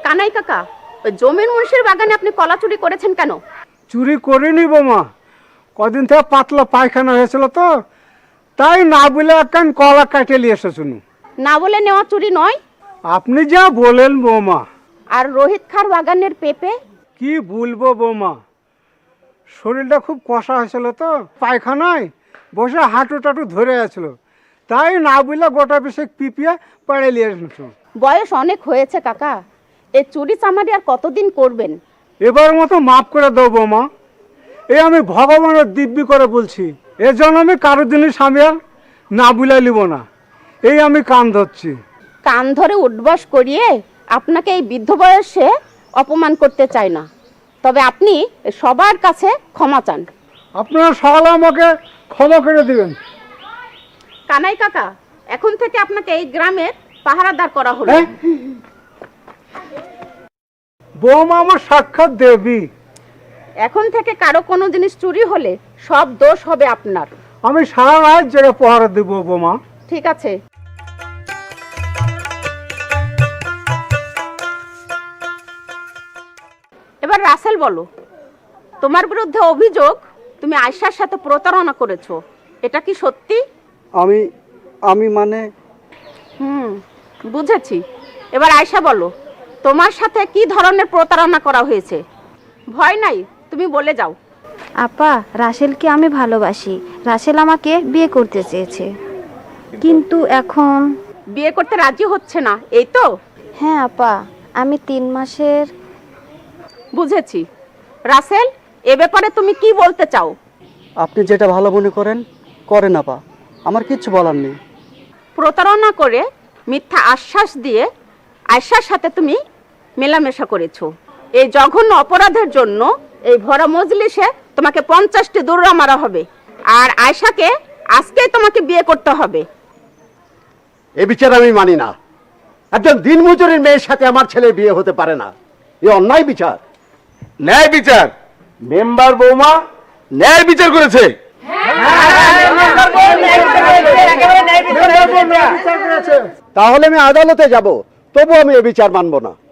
কানাই কাকা, ওই জমির মুন্সির বাগানে আপনি কলা চুরি করেছেন কেন? চুরি করিনি বৌমা, কদিন থেকে পাতলা পায়খানা হয়েছিল তো, তাই না বলে একখান কলা কাটে নিয়ে এসেছুন। না বলে নেওয়া চুরি নয়। আপনি যা বলেন বৌমা। আর রোহিত খার বাগানের পেঁপে? কি বলবো বৌমা, শরীরটা খুব কষা হয়েছিল তো, পায়খানায় বসে হাঁটু টাটু ধরে আছিল, তাই না বলে গোটা বেশি পিপিয়ে পাড়ে নিয়ে এসেছ। বয়স অনেক হয়েছে কাকা, এই চুরি চামারি আর কতদিন করবেন? এবার মতো মাফ করে দাও বৌমা, এই আমি ভগবানের দিব্যি করে বলছি, এ জন্য আমি কারো জিনিস আমি আর না বুলাই নিব না, এই আমি কান ধরছি। কান ধরে উঠবস করিয়ে আপনাকে এই বৃদ্ধ বয়সে অপমান করতে চাই না, তবে আপনি সবার কাছে ক্ষমা চান। আপনারা সকালে আমাকে ক্ষমা করে দিবেন। কানাই কাকা, এখন থেকে আপনাকে এই গ্রামের পাহারাদার করা হলো। বৌমা আমার সাক্ষাৎ দেবী, এখন থেকে কারো কোনো জিনিস চুরি হলে সব দোষ হবে আপনার। আমি সারা রাত জেগে পহারা দেব বৌমা। ঠিক আছে। এবার রাসেল বলো, তোমার বিরুদ্ধে অভিযোগ তুমি আয়শার সাথে প্রতারণা করেছো, এটা কি সত্যি? আমি মানে বুঝেছি। এবার আয়শা বলো, তোমার সাথে কি ধরনের প্রতারণা করা হয়েছে? ভয় নাই, তুমি বলে যাও। আপা, রাসেলকে আমি ভালোবাসি, রাসেল আমাকে বিয়ে করতে চেয়েছে, কিন্তু এখন বিয়ে করতে রাজি হচ্ছে না, এই তো? হ্যাঁ আপা, আমি 3 মাসের। বুঝেছি। রাসেল, এ ব্যাপারে তুমি কি বলতে চাও? আপনি যেটা ভালো মনে করেন করেন আপা, আমার কিচ্ছু বলার নেই। প্রতারণা করে মিথ্যা আশ্বাস দিয়ে আয়শার সাথে তুমি মেলামেশা করেছো, এই জঘন্য অপরাধের জন্য এই ভরা মজলিসে তোমাকে 50টি দৌড়া মারা হবে, আর আয়শাকে আজকেই তোমাকে বিয়ে করতে হবে। এ বিচার আমি মানি না। একজন দিনমজুরের মেয়ের সাথে আমার ছেলে বিয়ে হতে পারে না, এ অন্যায় বিচার। ন্যায় বিচার? মেম্বার বৌমা ন্যায় বিচার করেছে। তাহলে আমি আদালতে যাব, তবু আমি এ বিচার মানব না।